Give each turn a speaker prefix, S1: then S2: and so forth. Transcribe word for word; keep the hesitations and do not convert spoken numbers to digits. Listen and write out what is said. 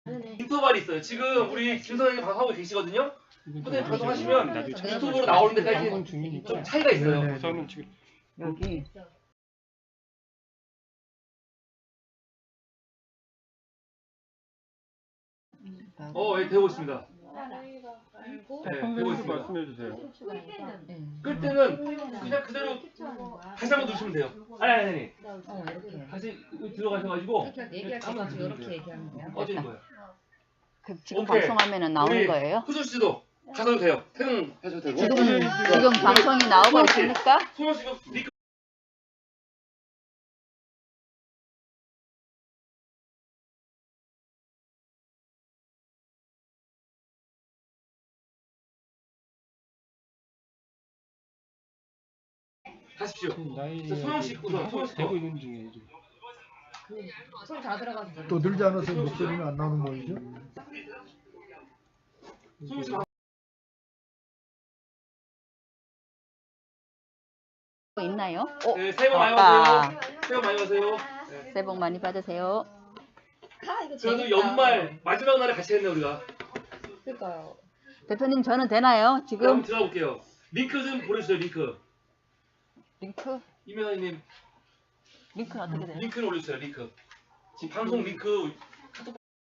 S1: 인터벌이 있어요. 지금 우리 김 선생님 방송하고 계시거든요. 선생님 방송하시면 유튜브로 나오는 데까지 좀 차이가 있어요.
S2: 저는 지금
S3: 여기
S1: 어, 예, 되고 있습니다. 네, 되고
S2: 선생님도
S1: 있습니다.
S2: 말씀해 주세요.
S1: 끌 때는 그냥 그대로 다시 한번 누르시면 돼요. 아니, 아니, 아니.
S3: 어 이렇게
S1: 다시 들어가셔가지고
S3: 얘기할 때 가지고 이렇게 얘기하는 거야.
S1: 꺼지는 거예요.
S4: 그 지금
S1: 오케이.
S4: 방송하면은 나오는
S1: 우리
S4: 거예요?
S1: 후수 씨도 가셔도 돼요. 퇴근 하셔도 되고.
S4: 지금 지금 방송이 나오고
S1: 소영 씨,
S4: 있습니까?
S1: 소영 씨가 리크 가십시오.
S2: 나이
S1: 자, 소영 씨 우선 소영 씨
S2: 되고
S1: 거.
S2: 있는 중이에요. 지금.
S3: 손 다 들어가서
S5: 또 늘지 않아서 목소리는 안 나오는 모이죠?
S1: 소영 씨
S4: 있나요? 어,
S1: 네, 새해 복 많이
S4: 아빠.
S1: 받으세요. 새해 복 많이 받으세요. 네.
S4: 새해 복 많이 받으세요.
S1: 그래도 연말 마지막 날에 같이 했네 우리가.
S3: 그러니까요.
S4: 대표님 저는 되나요?
S1: 그럼
S4: 지금
S1: 들어가 볼게요. 링크 좀 보내주세요. 링크.
S4: 링크
S1: 이면아님
S4: 링크는 어떻게 돼요?
S1: 링크를 올려주세요. 링크. 지금 방송 링크